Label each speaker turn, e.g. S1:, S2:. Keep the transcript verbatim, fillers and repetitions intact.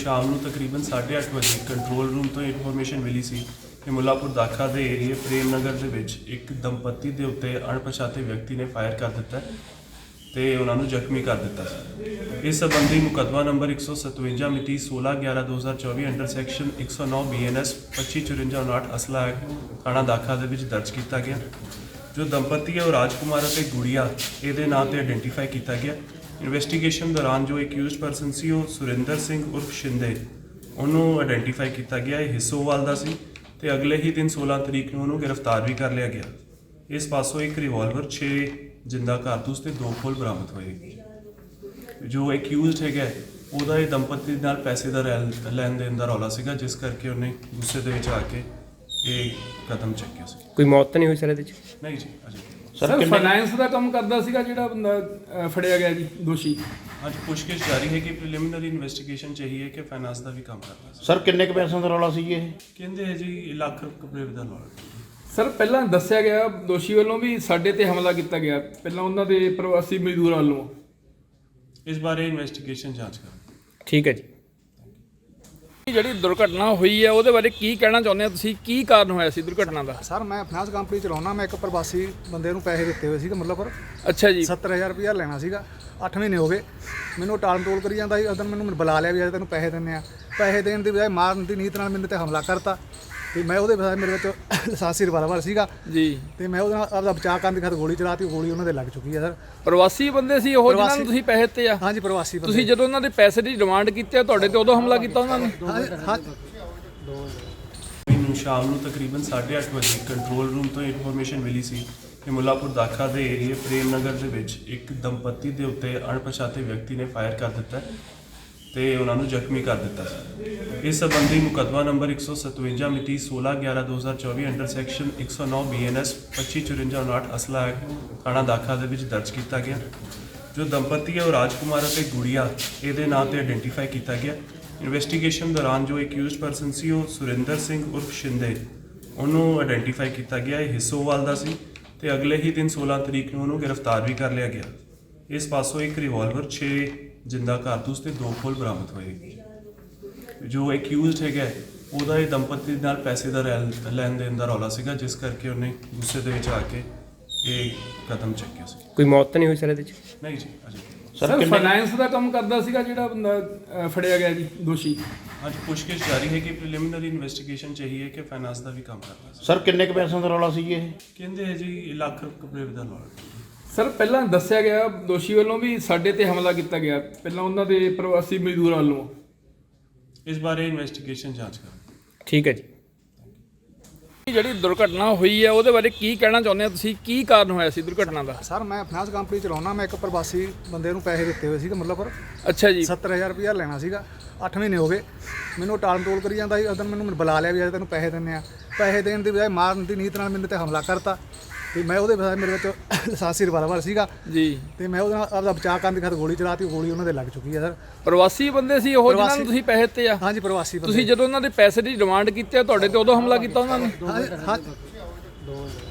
S1: ਸ਼ਾਮ ਨੂੰ ਤਕਰੀਬਨ ਸਾਢੇ ਅੱਠ ਵਜੇ ਕੰਟਰੋਲ ਰੂਮ ਤੋਂ ਇਨਫੋਰਮੇਸ਼ਨ ਮਿਲੀ ਸੀ ਕਿ ਮੁੱਲਾਪੁਰ ਦਾਖਾ ਦੇ ਏਰੀਏ ਪ੍ਰੇਮ ਨਗਰ ਦੇ ਵਿੱਚ ਇੱਕ ਦੰਪਤੀ ਦੇ ਉੱਤੇ ਅਣਪਛਾਤੇ ਵਿਅਕਤੀ ਨੇ ਫਾਇਰ ਕਰ ਦਿੱਤਾ ਤੇ ਉਹਨਾਂ ਨੂੰ ਜ਼ਖਮੀ ਕਰ ਦਿੱਤਾ ਸੀ। ਇਸ ਸੰਬੰਧੀ ਮੁਕੱਦਮਾ ਨੰਬਰ ਇੱਕ ਸੌ ਸਤਵੰਜਾ ਮਿਤੀ ਸੋਲਾਂ ਗਿਆਰਾਂ ਦੋ ਹਜ਼ਾਰ ਚੌਵੀ ਅੰਡਰ ਸੈਕਸ਼ਨ ਇੱਕ ਸੌ ਨੌ ਬੀ ਐਨ ਐਸ ਪੱਚੀ ਚੁਰੰਜਾ ਉਣਾਹਠ ਅਸਲਾ ਐਕਟ ਥਾਣਾ ਦਾਖਾ ਦੇ ਵਿੱਚ ਦਰਜ ਕੀਤਾ ਗਿਆ। ਜੋ ਦੰਪਤੀ ਹੈ ਉਹ ਰਾਜਕੁਮਾਰ ਅਤੇ ਗੁੜੀਆ ਇਹਦੇ ਨਾਂ ਤੇ ਆਇਡੈਂਟੀਫਾਈ ਕੀਤਾ ਗਿਆ। ਇਨਵੈਸਟੀਗੇਸ਼ਨ ਦੌਰਾਨ ਜੋ ਅਕਿਊਜ਼ਡ ਪਰਸਨ ਸੀ ਉਹ ਸੁਰਿੰਦਰ ਸਿੰਘ ਉਰਫ ਸ਼ਿੰਦੇ ਉਹਨੂੰ ਆਇਡੈਂਟੀਫਾਈ ਕੀਤਾ ਗਿਆ। ਇਹ ਹਿੱਸੋਵਾਲ ਦਾ ਸੀ ਤੇ ਅਗਲੇ ਹੀ ਦਿਨ ਸੋਲਾਂ ਤਰੀਕ ਨੂੰ ਉਹਨੂੰ ਗ੍ਰਿਫਤਾਰ ਵੀ ਕਰ ਲਿਆ ਗਿਆ। ਇਸ ਪਾਸੋਂ ਇੱਕ ਰਿਵਾਲਵਰ, ਛੇ ਜਿੰਦਾ ਕਾਰਤੂਸ ਤੇ ਦੋ ਖੋਲ ਬਰਾਮਦ ਹੋਏ। ਜੋ ਅਕਿਊਜ਼ਡ ਹੈਗਾ ਉਹਦਾ ਇਹ ਦੰਪਤੀ ਨਾਲ ਪੈਸੇ ਦਾ ਲੈਣ ਦੇਣ ਦਾ ਰੌਲਾ ਸੀਗਾ, ਜਿਸ ਕਰਕੇ ਉਹਨੇ ਗੁੱਸੇ ਦੇ ਵਿੱਚ ਆ ਕੇ ਇਹ ਕਦਮ ਚੱਕਿਆ ਸੀ।
S2: ਕੋਈ ਮੌਤ ਤਾਂ ਨਹੀਂ ਹੋਈ ਸਰ ਇਹਦੇ ਵਿੱਚ?
S1: ਨਹੀਂ ਜੀ, ਅਜੇ
S3: ਸਰ ਫਾਈਨੈਂਸ ਦਾ ਕੰਮ ਕਰਦਾ ਸੀਗਾ ਜਿਹੜਾ ਬੰਦਾ ਅ, ਫੜਿਆ ਗਿਆ ਜੀ ਦੋਸ਼ੀ।
S1: ਅੱਜ ਪੁੱਛਗਿੱਛ ਜਾਰੀ ਹੈ ਕਿ ਪ੍ਰੀਲਿਮਿਨਰੀ ਇਨਵੈਸਟੀਗੇਸ਼ਨ ਚਾਹੀਏ ਕਿ ਫਾਈਨਾਂਸ ਦਾ ਵੀ ਕੰਮ ਕਰਦਾ ਸੀ।
S4: ਸਰ ਕਿੰਨੇ ਕੁ ਪੈਸਿਆਂ ਦਾ ਰੌਲਾ ਸੀ ਇਹ?
S1: ਕਹਿੰਦੇ ਹੈ ਜੀ ਲੱਖ ਰੁਪਏ ਦਾ ਰੌਲਾ।
S3: ਸਰ ਪਹਿਲਾਂ ਦੱਸਿਆ ਗਿਆ ਦੋਸ਼ੀ ਵੱਲੋਂ ਵੀ ਸਾਡੇ ਤੇ ਹਮਲਾ ਕੀਤਾ ਗਿਆ, ਪਹਿਲਾਂ ਉਹਨਾਂ ਦੇ ਪ੍ਰਵਾਸੀ ਮਜ਼ਦੂਰਾਂ ਵੱਲੋਂ।
S1: ਇਸ ਬਾਰੇ ਇਨਵੈਸਟੀਗੇਸ਼ਨ ਜਾਂਚ ਕਰ।
S2: ਠੀਕ ਹੈ ਜੀ।
S3: ਜਿਹੜੀ ਦੁਰਘਟਨਾ ਹੋਈ ਹੈ ਉਹਦੇ ਬਾਰੇ ਕੀ ਕਹਿਣਾ ਚਾਹੁੰਦੇ ਹੋ ਤੁਸੀਂ? ਕੀ ਕਾਰਨ ਹੋਇਆ ਸੀ ਦੁਰਘਟਨਾ ਦਾ?
S5: ਸਰ ਮੈਂ ਫਾਈਨਾਂਸ ਕੰਪਨੀ ਚਲਾਉਣਾ। ਮੈਂ ਇੱਕ ਪ੍ਰਵਾਸੀ ਬੰਦੇ ਨੂੰ ਪੈਸੇ ਦਿੱਤੇ ਹੋਏ ਸੀਗੇ ਮੁੱਲਾਪੁਰ।
S3: ਅੱਛਾ ਜੀ।
S5: ਸੱਤਰ ਹਜ਼ਾਰ ਰੁਪਇਆ ਲੈਣਾ ਸੀਗਾ। ਅੱਠ ਮਹੀਨੇ ਹੋ ਗਏ ਮੈਨੂੰ ਟਾਲ ਮਟੋਲ ਕਰੀ ਜਾਂਦਾ ਸੀ। ਉਦੋਂ ਮੈਨੂੰ ਬੁਲਾ ਲਿਆ ਵੀ ਅੱਜ ਤੈਨੂੰ ਪੈਸੇ ਦਿੰਦੇ ਆ। ਪੈਸੇ ਦੇਣ ਦੀ ਬਜਾਏ ਮਾਰਨ ਦੀ ਨੀਤ ਨਾਲ ਮੈਨੂੰ ਤੇ ਹਮਲਾ ਕਰਤਾ ਤੇ ਮੈਂ ਉਹਦੇ ਬਜਾਏ ਮੇਰੇ ਵਿੱਚ ਲਾਇਸੈਂਸੀ ਰਿਵਾਲਵਰ ਸੀਗਾ
S3: ਜੀ
S5: ਤੇ ਮੈਂ ਉਹਦੇ ਨਾਲ ਆਪਦਾ ਬਚਾਅ ਕਰਨ ਦੀ ਖਾਤਰ ਗੋਲੀ ਚਲਾਤੀ। ਗੋਲੀ ਉਹਨਾਂ ਦੇ ਲੱਗ ਚੁੱਕੀ ਹੈ ਸਰ।
S3: ਪ੍ਰਵਾਸੀ ਬੰਦੇ ਸੀ ਉਹ ਜਿਨ੍ਹਾਂ ਨੂੰ ਤੁਸੀਂ ਪੈਸੇ ਦਿੱਤੇ ਆ?
S5: ਹਾਂਜੀ ਪ੍ਰਵਾਸੀ ਬੰਦੇ।
S3: ਤੁਸੀਂ ਜਦੋਂ ਉਹਨਾਂ ਦੇ ਪੈਸੇ ਦੀ ਡਿਮਾਂਡ ਕੀਤੀ ਆ ਤੁਹਾਡੇ ਤੇ ਉਦੋਂ ਹਮਲਾ ਕੀਤਾ ਉਹਨਾਂ ਨੇ?
S5: ਹਾਂ
S1: ਮੈਨੂੰ ਸ਼ਾਮ ਨੂੰ ਤਕਰੀਬਨ ਸਾਢੇ ਅੱਠ ਵਜੇ ਕੰਟਰੋਲ ਰੂਮ ਤੋਂ ਇਨਫੋਰਮੇਸ਼ਨ ਮਿਲੀ ਸੀ ਕਿ ਮੁੱਲਾਪੁਰ ਦਾਖਾ ਦੇ ਏਰੀਏ ਪ੍ਰੇਮ ਨਗਰ ਦੇ ਵਿੱਚ ਇੱਕ ਦੰਪਤੀ ਦੇ ਉੱਤੇ ਅਣਪਛਾਤੇ ਵਿਅਕਤੀ ਨੇ ਫਾਇਰ ਕਰ ਦਿੱਤਾ ਤੇ ਉਹਨਾਂ ਨੂੰ ਜ਼ਖਮੀ ਕਰ ਦਿੱਤਾ ਸੀ। ਇਸ ਸੰਬੰਧੀ ਮੁਕੱਦਮਾ ਨੰਬਰ ਇੱਕ ਸੌ ਸਤਵੰਜਾ ਮਿਤੀ ਸੋਲਾਂ ਗਿਆਰਾਂ ਦੋ ਹਜ਼ਾਰ ਚੌਵੀ ਅੰਡਰ ਸੈਕਸ਼ਨ ਇੱਕ ਸੌ ਨੌ ਬੀ ਐਨ ਐਸ ਪੱਚੀ ਚੁਰੰਜਾ ਉਣਾਹਠ ਅਸਲਾ ਐਕਟ ਥਾਣਾ ਦਾਖਾ ਦੇ ਵਿੱਚ ਦਰਜ ਕੀਤਾ ਗਿਆ। ਜੋ ਦੰਪਤੀ ਹੈ ਉਹ ਰਾਜਕੁਮਾਰ ਅਤੇ ਗੁੜੀਆ ਇਹਦੇ ਨਾਂ ਤੇ ਆਇਡੈਂਟੀਫਾਈ ਕੀਤਾ ਗਿਆ। ਇਨਵੈਸਟੀਗੇਸ਼ਨ ਦੌਰਾਨ ਜੋ ਅਕਿਊਜ਼ਡ ਪਰਸਨ ਸੀ ਉਹ ਸੁਰਿੰਦਰ ਸਿੰਘ ਉਰਫ ਸ਼ਿੰਦੇ ਉਹਨੂੰ ਆਇਡੈਂਟੀਫਾਈ ਕੀਤਾ ਗਿਆ। ਇਹ ਹਿੱਸੋਵਾਲ ਦਾ ਸੀ ਤੇ ਅਗਲੇ ਹੀ ਦਿਨ ਸੋਲਾਂ ਤਰੀਕ ਨੂੰ ਉਹਨੂੰ ਗ੍ਰਿਫਤਾਰ ਵੀ ਕਰ ਲਿਆ ਗਿਆ। ਇਸ ਪਾਸੋਂ ਇੱਕ ਰਿਵਾਲਵਰ, ਛੇ ਜਿੰਦਾ ਕਾਰਤੂਸ ਤੇ ਦੋ ਖੋਲ ਬਰਾਮਦ ਹੋਏ। ਜੋ ਅਕਿਊਜ਼ਡ ਹੈਗਾ ਉਹਦਾ ਇਹ ਦੰਪਤੀ ਨਾਲ ਪੈਸੇ ਦਾ ਲੈਣ ਦੇਣ ਦਾ ਰੌਲਾ ਸੀਗਾ, ਜਿਸ ਕਰਕੇ ਉਹਨੇ ਗੁੱਸੇ ਦੇ ਵਿੱਚ ਆ ਕੇ ਇਹ ਕਦਮ ਚੱਕਿਆ ਸੀ।
S2: ਕੋਈ ਮੌਤ ਤਾਂ ਨਹੀਂ ਹੋਈ ਸਰ ਇਹਦੇ ਵਿੱਚ?
S1: ਨਹੀਂ ਜੀ, ਅਜੇ
S3: ਸਰ ਫਾਈਨੈਂਸ ਦਾ ਕੰਮ ਕਰਦਾ ਸੀਗਾ ਜਿਹੜਾ ਬੰਦਾ ਅ, ਫੜਿਆ ਗਿਆ ਜੀ ਦੋਸ਼ੀ।
S1: ਅੱਜ ਪੁੱਛਗਿੱਛ ਜਾਰੀ ਹੈ ਕਿ ਪ੍ਰੀਲਿਮਿਨਰੀ ਇਨਵੈਸਟੀਗੇਸ਼ਨ ਚਾਹੀਏ ਕਿ ਫਾਈਨਾਂਸ ਦਾ ਵੀ ਕੰਮ ਕਰਦਾ ਸੀ।
S4: ਸਰ ਕਿੰਨੇ ਕੁ ਪੈਸਿਆਂ ਦਾ ਰੌਲਾ ਸੀ ਇਹ?
S1: ਕਹਿੰਦੇ ਹੈ ਜੀ ਲੱਖ ਰੁਪਏ ਦਾ ਰੌਲਾ।
S3: ਸਰ ਪਹਿਲਾਂ ਦੱਸਿਆ ਗਿਆ ਦੋਸ਼ੀ ਵੱਲੋਂ ਵੀ ਸਾਡੇ ਤੇ ਹਮਲਾ ਕੀਤਾ ਗਿਆ, ਪਹਿਲਾਂ ਉਹਨਾਂ ਦੇ ਪ੍ਰਵਾਸੀ ਮਜ਼ਦੂਰਾਂ ਵੱਲੋਂ।
S1: ਇਸ ਬਾਰੇ ਇਨਵੈਸਟੀਗੇਸ਼ਨ ਜਾਂਚ ਕਰ।
S2: ਠੀਕ ਹੈ ਜੀ।
S3: ਜਿਹੜੀ ਦੁਰਘਟਨਾ ਹੋਈ ਹੈ ਉਹਦੇ ਬਾਰੇ ਕੀ ਕਹਿਣਾ ਚਾਹੁੰਦੇ ਹੋ ਤੁਸੀਂ? ਕੀ ਕਾਰਨ ਹੋਇਆ ਸੀ ਦੁਰਘਟਨਾ ਦਾ?
S5: ਸਰ ਮੈਂ ਫਾਈਨਾਂਸ ਕੰਪਨੀ ਚਲਾਉਣਾ। ਮੈਂ ਇੱਕ ਪ੍ਰਵਾਸੀ ਬੰਦੇ ਨੂੰ ਪੈਸੇ ਦਿੱਤੇ ਹੋਏ ਸੀਗੇ ਮੁੱਲਾਪੁਰ।
S3: ਅੱਛਾ ਜੀ।
S5: ਸੱਤਰ ਹਜ਼ਾਰ ਰੁਪਇਆ ਲੈਣਾ ਸੀਗਾ। ਅੱਠ ਮਹੀਨੇ ਹੋ ਗਏ ਮੈਨੂੰ ਟਾਲ ਮਟੋਲ ਕਰੀ ਜਾਂਦਾ ਸੀ। ਉਦੋਂ ਮੈਨੂੰ ਬੁਲਾ ਲਿਆ ਵੀ ਅੱਜ ਤੈਨੂੰ ਪੈਸੇ ਦਿੰਦੇ ਆ। ਪੈਸੇ ਦੇਣ ਦੀ ਬਜਾਏ ਮਾਰਨ ਦੀ ਨੀਤ ਨਾਲ ਮੈਨੂੰ ਤੇ ਹਮਲਾ ਕਰਤਾ ਤੇ ਮੈਂ ਉਹਦੇ ਬਜਾਏ ਮੇਰੇ ਵਿੱਚ ਲਾਇਸੈਂਸੀ ਰਿਵਾਲਵਰ ਸੀਗਾ
S3: ਜੀ
S5: ਤੇ ਮੈਂ ਉਹਦੇ ਨਾਲ ਆਪਦਾ ਬਚਾਅ ਕਰਨ ਦੀ ਖਾਤਰ ਗੋਲੀ ਚਲਾਤੀ। ਗੋਲੀ ਉਹਨਾਂ ਦੇ ਲੱਗ ਚੁੱਕੀ ਹੈ ਸਰ।
S3: ਪ੍ਰਵਾਸੀ ਬੰਦੇ ਸੀ ਉਹ ਜਿਨ੍ਹਾਂ ਨੂੰ ਤੁਸੀਂ ਪੈਸੇ ਦਿੱਤੇ ਆ?
S5: ਹਾਂਜੀ ਪ੍ਰਵਾਸੀ ਬੰਦੇ।
S3: ਤੁਸੀਂ ਜਦੋਂ ਉਹਨਾਂ ਦੇ ਪੈਸੇ ਦੀ ਡਿਮਾਂਡ ਕੀਤੀ ਆ ਤੁਹਾਡੇ ਤੇ ਉਦੋਂ ਹਮਲਾ ਕੀਤਾ ਉਹਨਾਂ ਨੇ?
S5: ਹਾਂ